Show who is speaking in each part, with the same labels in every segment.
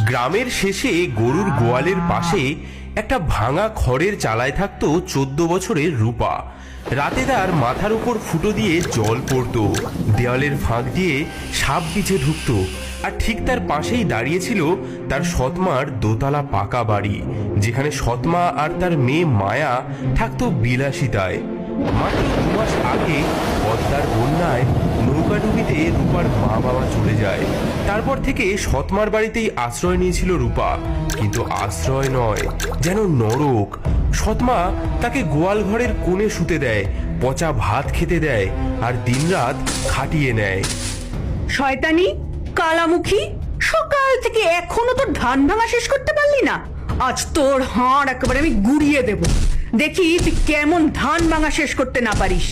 Speaker 1: গ্রামের শেষে গরুর গোয়ালের পাশে একটা ভাঙা খড়ের চালায় থাকতো 14 বছরের রূপা। রাতে তার মাথার উপর ফুটো দিয়ে জল পড়তো, দেওয়ালের ফাঁক দিয়ে সাপ বিছে ঢুকতো, আর ঠিক তার পাশেই দাঁড়িয়েছিল তার সৎমার দোতলা পাকা বাড়ি, যেখানে সৎমা আর তার মেয়ে মায়া থাকতো বিলাসিতায়। মাত্র 2 মাস আগে পদ্মার বন্যায় নৌকাডুবিতে রূপার মা বাবা চলে যায়। তারপর থেকে সৎমার বাড়িতেই আশ্রয় নিয়েছিল রূপা, কিন্তু আশ্রয় নয়, যেন নরক। সৎমা তাকে গোয়াল ঘরের কোণে শুতে দেয়, পচা ভাত খেতে দেয়, আর দিনরাত খাটিয়ে নেয়।
Speaker 2: শয়তানি কালামুখী, সকাল থেকে এখনো তোর ধান ভাঙা শেষ করতে পারলি না? আজ তোর হাড় একেবারে আমি গুড়িয়ে দেব, দেখি তুই কেমন ধান ভাঙা শেষ করতে না পারিস।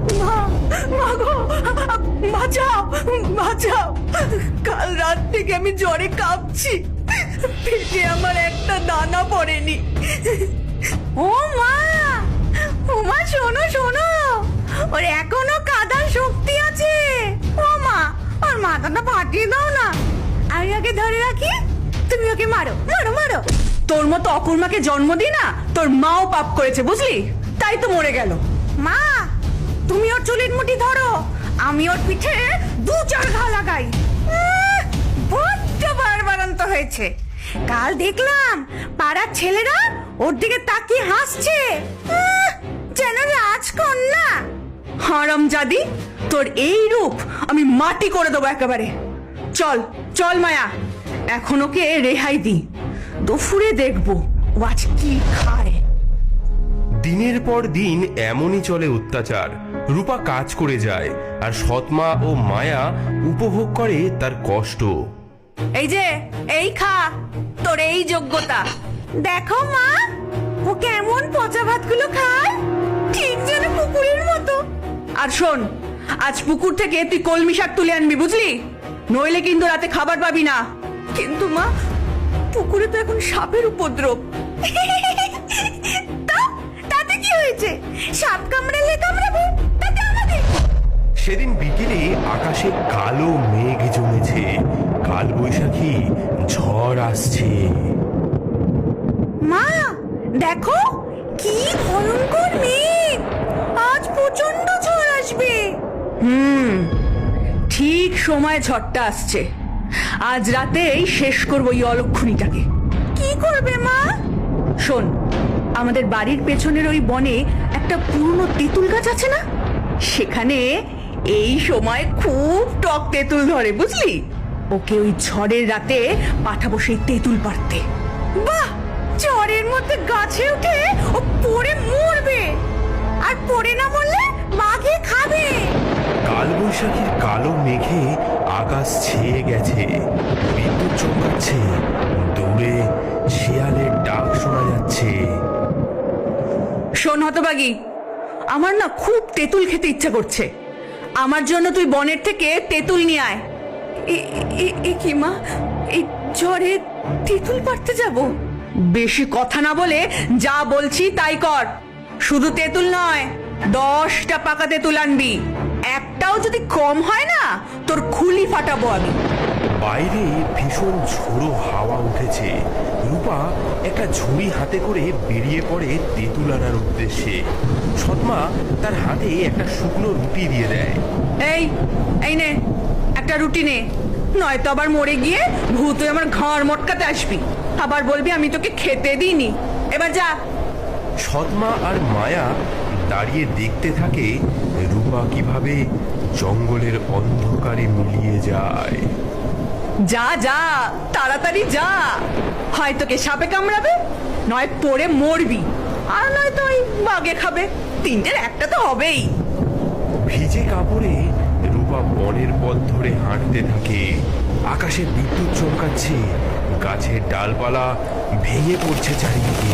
Speaker 2: বাঁচাও বাঁচাও, কাল রাত থেকে আমি জ্বরে কাঁপছি, পেটে আমার একটা দানা পড়েনি। ও মা, ও মা, শোনো শোনো, ওর এখনো কাদার শক্তি আছে। ও মা, ওর মাথাটা ফাটিয়ে দাও না, আমি ওকে ধরে রাখি, তুমি ওকে মারো মারো মারো। তোর মতো অকুর্মাকে জন্ম দি না, তোর মাও পাপ করেছে বুঝলি, তাই তো মরে গেল। মা, তুমি ওর চুলের মুঠি ধরো, আমি ওর পিঠে 2-4 ঘা লাগাই। বড্ড বাড়বাড়ন্ত হয়েছে। কাল দেখলাম পাড়ার ছেলেরা ওর দিকে তাকিয়ে হাসছে, যেন রাজকন্যা। হারামজাদি, তোর এই রূপ আমি মাটি করে দেবো একেবারে। চল চল মায়া, এখন ওকে রেহাই দি, দুপুরে দেখবো ও আজ কি খায়।
Speaker 1: দিনের পর দিন এমনই চলে অত্যাচার। রূপা কাজ করে যায়, আর সৎমা ও মায়া উপভোগ করে তার কষ্ট।
Speaker 2: এই যে, এই খা, তোর এই যোগ্যতা। দেখো মা, ও কেমন পচা ভাতগুলো খায়, ঠিক যেন পুকুরের মতো। আর শোন, আজ পুকুর থেকে তুই কলমি শাক তুলে আনবি বুঝলি, নইলে কিন্তু রাতে খাবার পাবি না। কিন্তু মা, পুকুরে তো এখন সাপের উপদ্রব। তাতে কি হয়েছে? সাপ কামড়ালে কামড়াবে, তাতে আমাদের।
Speaker 1: সেদিন বিকেলে আকাশে কালো মেঘ জমেছে, কাল বৈশাখী ঝড় আসছে।
Speaker 2: মা দেখো, কি ভয়ঙ্কর মেঘ, আজ প্রচন্ড ঝড় আসবে। ঠিক সময় ঝড়টা আসছে, আজ রাতেই শেষ করবো এই অলক্ষণীটাকে। কি করবে মা? শোন, আমাদের বাড়ির পেছনের ওই বনে একটা পুরনো তেঁতুল গাছ আছে না, সেখানে এই সময় খুব টক তেঁতুল ধরে বুঝলি। ওকে ওই ঝড়ের রাতে পাঠাবো সেই তেঁতুল পাড়তে। বাহ, ঝড়ের মধ্যে গাছে উঠে ও পড়ে মরবে, আর পড়ে না মরলে বাঘে খাবে।
Speaker 1: কাল বৈশাখীর কালো মেঘে আকাশ ছেয়ে গেছে, বিদ্যুৎ চমকাচ্ছে, দূরে শিয়ালের ডাক শোনা যাচ্ছে।
Speaker 2: শোন হতবাগী, আমার না খুব তেঁতুল খেতে ইচ্ছা করছে, আমার জন্য তুই বনের থেকে তেঁতুল নিয়ে আয়। এ কি মা, এই ঝড়ে তেঁতুল পাড়তে যাব? বেশি কথা না বলে যা বলছি তাই কর। শুধু তেঁতুল নয়, 10টা পাকা তেঁতুল আনবি, একটাও যদি কম হয় না তোর খুলি ফাটাবো আমি।
Speaker 1: বাইরে ভীষণ ঝোড়ো হাওয়া উঠেছে। রূপা একটা ঝুড়ি হাতে করে বেরিয়ে পড়ে তেঁতুল আনার উদ্দেশ্যে। সৎমা তার হাতে একটা শুকনো রুটি দিয়ে দেয়।
Speaker 2: এই এই নে, একটা রুটি নে, নয়তো আবার মরে গিয়ে ভূত আমার ঘর মটকাতে আসবি, আবার বলবি আমি তোকে খেতে দিইনি। এবার যা।
Speaker 1: সৎমা আর মায়া দাঁড়িয়ে দেখতে থাকে রূপা কিভাবে জঙ্গলের অন্ধকারে মিলিয়ে যায়।
Speaker 2: যা যা, তাড়াতাড়ি যা, হয় তোকে সাপে কামড়াবে, নয় পড়ে মরবি, আর নয়তো ওই বাঘে খাবে, তিনটের একটা তো হবেই।
Speaker 1: ভিজে কাপড়ে রূপা বনের পথ ধরে হাঁটতে থাকে। আকাশে বিদ্যুৎ চমকাচ্ছে, গাছের ডালপালা ভেঙে পড়ছে চারিদিকে।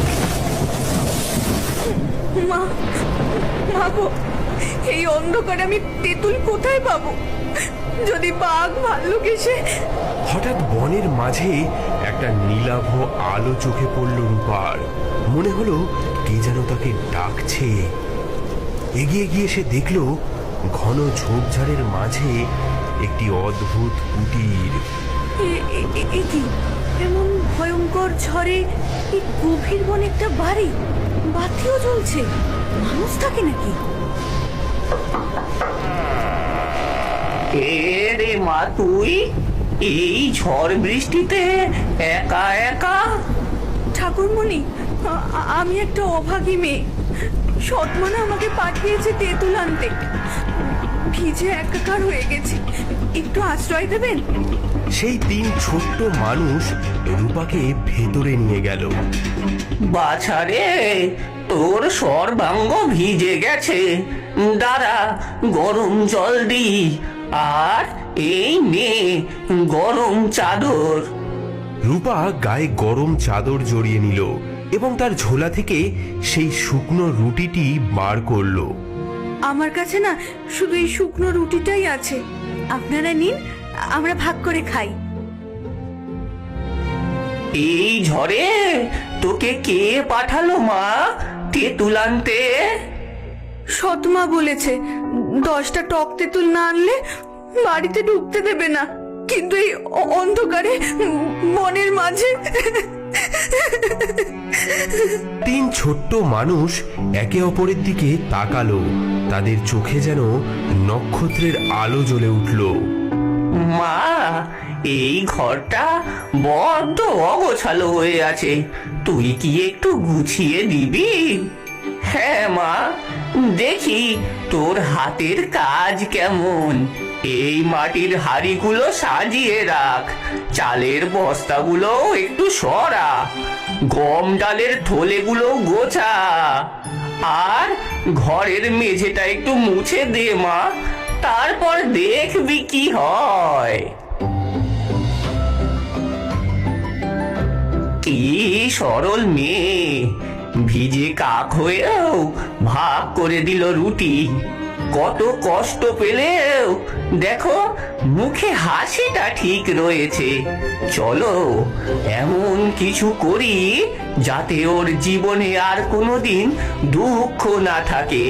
Speaker 2: মা, মা গো, এই অন্ধকারে আমি তেঁতুল কোথায় পাবো? যদি বাঘ ভাল্লুক এসে।
Speaker 1: হঠাৎ বনের মাঝে একটা নীলাভ আলো চোখে পড়ল রূপার। মনে হলো কে যেন তাকে ডাকছে। এগিয়ে গিয়ে সে দেখল ঘন ঝোপঝাড়ের মাঝে একটি অদ্ভুত কুটির।
Speaker 2: কি এমন ভয়ঙ্কর ঝড়ে এই গভীর বনে একটা বাড়ি, বাতিও জ্বলছে, মানুষ থাকে নাকি?
Speaker 3: এ রে মা, তুই এই ঝড় বৃষ্টিতে একা একা?
Speaker 2: ঠাকুরমণি, আমি একটা অভাগী মেয়ে। সৎমানা আমাকে পাঠিয়েছে তেঁতুল আনতে। ভিজে একাকার হয়ে গেছি, একটু আশ্রয় দেবেন?
Speaker 1: সেই 3 ছোট্ট মানুষ রূপাকে ভেতরে নিয়ে গেল।
Speaker 3: বাছারে, তোর সর্বাঙ্গ ভিজে গেছে, দাঁড়া গরম জল দি, আর এই নে গরম চাদর।
Speaker 1: রূপা গায়ে গরম চাদর জড়িয়ে নিল এবং তার ঝোলা থেকে সেই শুকনো রুটিটি বার করলো।
Speaker 2: আমার কাছে না শুধু এই শুকনো রুটিটাই আছে, আপনারা নিন, আমরা ভাগ করে খাই।
Speaker 3: এই ঝড়ে তোকে কে পাঠালো মা তেঁতুল আনতে?
Speaker 2: সৎমা বলেছে 10টা টক তেঁতুল না আনলে বাড়িতে ঢুকতে দেবে না, কিন্তু এই অন্ধকারে বনের মাঝে।
Speaker 1: 3 ছোট্ট মানুষ একে অপরের দিকে তাকালো। তাদের চোখে যেন নক্ষত্রের আলো জ্বলে উঠল।
Speaker 3: মা, এই ঘরটা বড্ড অগোছালো হয়ে আছে, তুই কি একটু গুছিয়ে দিবি? হ্যাঁ মা, দেখি তোর হাতের কাজ কেমন। এই মাটির হাঁড়িগুলো সাজিয়ে রাখ, চালের বস্তাগুলো একটু সরা, গম ডালের থলেগুলো গোছা, আর ঘরের মেঝেটা একটু মুছে দে মা, তারপর দেখবি কি হয়। কি সরল মেয়ে, ভিজে কাক হয়েও ভাগ করে দিল রুটি। কত কষ্ট পেলেও দেখো মুখে হাসিটা ঠিক রয়েছে। চলো এমন কিছু করি যাতে ওর জীবনে আর কোনোদিন দুঃখ না থাকে।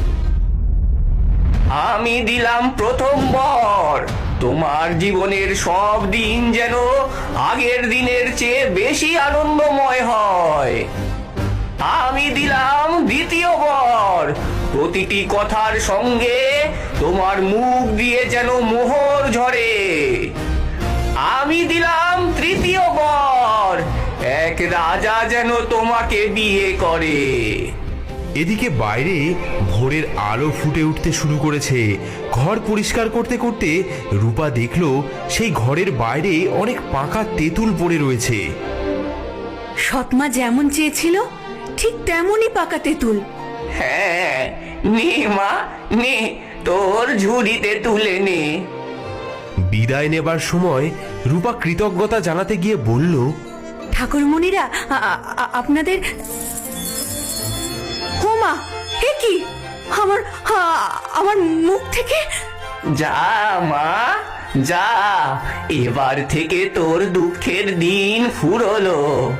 Speaker 3: আমি দিলাম প্রথম বর, তোমার জীবনের সব দিন যেন আগের দিনের চেয়ে বেশি আনন্দময় হয়। আমি দিলাম দ্বিতীয় বর, প্রতিটি কথার সঙ্গে তোমার মুখ দিয়ে যেন মোহর ঝরে। আমি দিলাম তৃতীয় বর, এক রাজা যেন তোমাকে বিয়ে করে।
Speaker 1: এদিকে বাইরে ভোরের আলো ফুটে উঠতে শুরু করেছে। ঘর পরিষ্কার করতে করতে রূপা দেখলো সেই ঘরের বাইরে অনেক পাকা তেঁতুল পড়ে রয়েছে।
Speaker 2: সৎমা যেমন চেয়েছিল ঠিক তেমনই পাকা তেঁতুল।
Speaker 3: হ্যাঁ, নে মা নে, তোর ঝুড়িতে তুলে নে।
Speaker 1: বিদায় নেবার সময় রূপা কৃতজ্ঞতা জানাতে গিয়ে বলল,
Speaker 2: ঠাকুরমণিরা, আপনাদের। হোমা, এ কি? আমার মুখ থেকে।
Speaker 3: যা মা যা, এবার থেকে তোর দুঃখের দিন ফুরলো।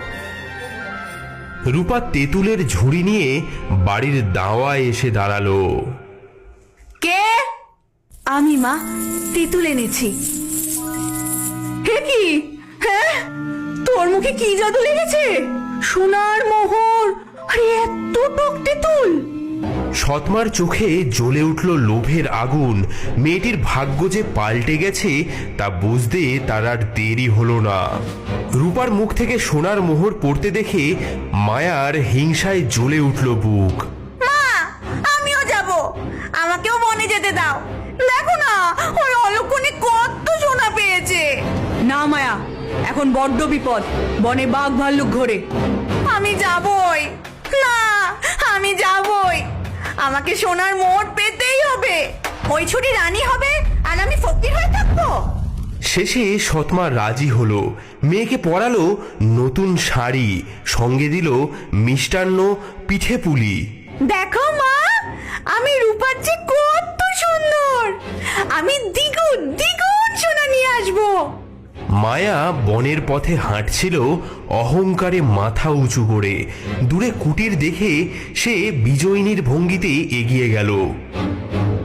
Speaker 1: রূপা তেঁতুলের ঝুড়ি নিয়ে বাড়ির দাওয়ায় এসে দাঁড়ালো।
Speaker 2: কে? আমি মা, তেঁতুল এনেছি। হে কি? হ্যাঁ, তোর মুখে কি জাদু লেগেছে? সোনার মোহর, আরে এত টক তেঁতুল!
Speaker 1: সৎমার চোখে জ্বলে উঠল লোভের আগুন। মেয়েটির ভাগ্য যে পাল্টে গেছে তা বুঝতে তার আর দেরি হলো না। রূপার মুখ থেকে সোনার মোহর পড়তে দেখে মায়ার হিংসায় জ্বলে উঠল বুক।
Speaker 2: মা, আমিও যাব, আমাকেও বনে যেতে দাও। দেখো না, ওই অলক্ষণে কত সোনা পেয়েছে। না মায়া, এখন বড্ড বিপদ, বনে বাঘ ভাল্লুক ঘোরে। আমি যাবই না, আমি যাবই, আমাকে সোনার মোহর পেতেই হবে। ওই ছুটি রানী হবে আর আমি ফকির হয়ে থাকবো।
Speaker 1: শেষে সৎমা রাজি হলো। মেয়েকে পরালো নতুন শাড়ি, সঙ্গে দিল মিষ্টান্ন, পিঠে পুলি।
Speaker 2: দেখো মা, আমি রূপার চেয়ে কত সুন্দর, আমি দ্বিগুণ দ্বিগুণ সোনা নিয়ে আসবো।
Speaker 1: মায়া বনের পথে হাঁটছিল অহংকারে মাথা উঁচু করে। দূরে কুটির দেখে সে বিজয়িনীর ভঙ্গিতে এগিয়ে গেল।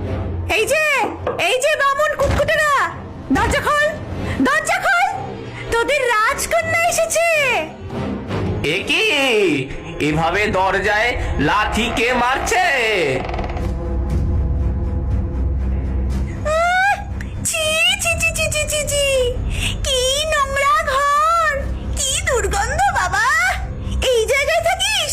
Speaker 2: এই যে বামুন কুটকুটেরা, দরজা খোল, দরজা খোল, তোদের রাজকন্যা এসেছে।
Speaker 3: এ কি এভাবে দরজায় লাথি কে মারছে?
Speaker 2: ছি ছি ছি ছি ছি ছি ছি, কি নোংরা ঘর, কি দুর্গন্ধ বাবা। এই জায়গায় থাকিস?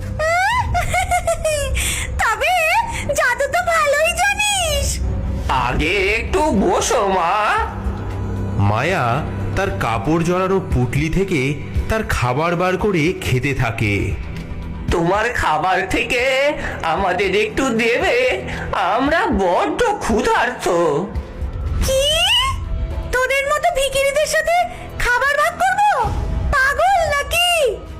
Speaker 2: তবে জাদু তো ভালোই জানিস।
Speaker 3: আগে একটু বসো মা।
Speaker 1: মায়া তার কাপড় জড়ানো পুটলি থেকে তার খাবার বার করে খেতে থাকে।
Speaker 3: তোমার খাবার থেকে আমাদের একটু দেবে, আমরা বড্ড ক্ষুধার্ত।
Speaker 2: কি? তোদের মতো ভিখিরিদের সাথে খাবার ভাগ করব? পাগল নাকি?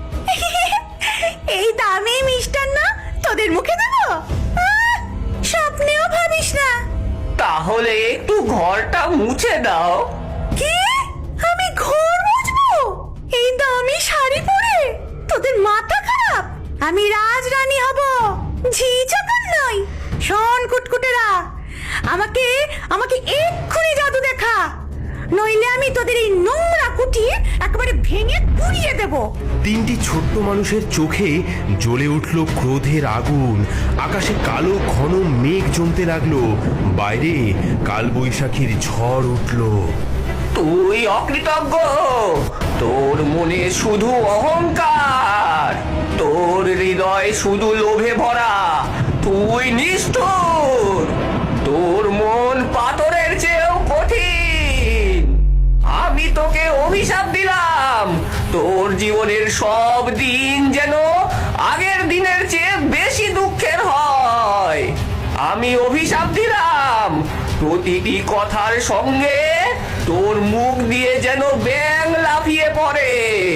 Speaker 2: এই দামি মিষ্টান্ন তোদের মুখে দেব? স্বপ্নেও ভাবিস না।
Speaker 3: তাহলে একটু ঘরটা মুছে দাও।
Speaker 2: কি? আমি ঘর মুছবো এই দামি শাড়ি পরে? তোদের মাথা খারাপ? আমি রাজরানী হব, ঝি চাকর নই। শোন কুটকুটেরা, আমাকে আমাকে এক্ষুনি জাদু দেখা, নইলে আমি তোদের এই নোংরা কুঠি একেবারে ভেঙে পুড়িয়ে দেব।
Speaker 1: তিনটি ছোট্ট মানুষের চোখে জ্বলে উঠল ক্রোধের আগুন। আকাশে কালো ঘন মেঘ জমতে লাগলো। বাইরে কালবৈশাখীর ঝড় উঠল।
Speaker 3: তুই অকৃতজ্ঞ, তোর মনে শুধু অহংকার, তোর হৃদয় শুধু লোভে ভরা, তুই নিষ্ঠুর, তোর মন পাথরের চেয়েও কঠিন। আমি তোকে অভিশাপ দিলাম, তোর জীবনের সব দিন যেন আগের দিনের চেয়ে বেশি দুঃখের হয়। আমি অভিশাপ দিলাম, প্রতিটি কথার সঙ্গে তোর মুখ দিয়ে যেন ব্যাঙ লাফিয়ে পড়ে।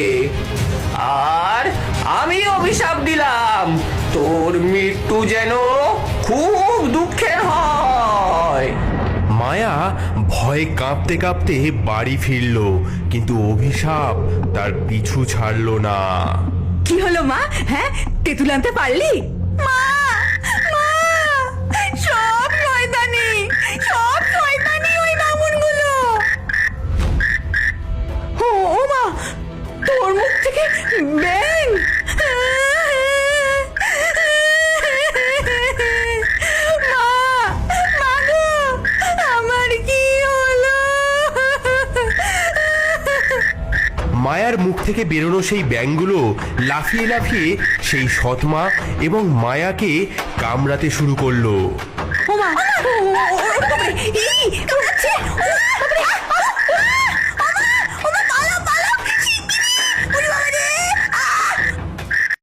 Speaker 3: আর আমি অভিশাপ দিলাম, তোর মৃত্যু যেন খুব দুঃখের হয়।
Speaker 1: মায়া ভয়ে কাঁপতে কাঁপতে বাড়ি ফিরল, কিন্তু অভিশাপ তার পিছু ছাড়ল না।
Speaker 2: কি হলো মা? হ্যাঁ, তেঁতুল আনতে পারলি? মা, মা, সব শয়তানি, সব শয়তানি ওই বামুনগুলো। ও মা, তোর মুখ থেকে ব্যাঙ! মা, মা গো, আমার কি হলো?
Speaker 1: মায়ার মুখ থেকে বেরোনো সেই ব্যাঙগুলো লাফিয়ে লাফিয়ে সেই সৎমা এবং মায়াকে কামড়াতে শুরু করলো।
Speaker 2: ও মা, ও, ও, ও, ও, ই, ও, ছি, ও,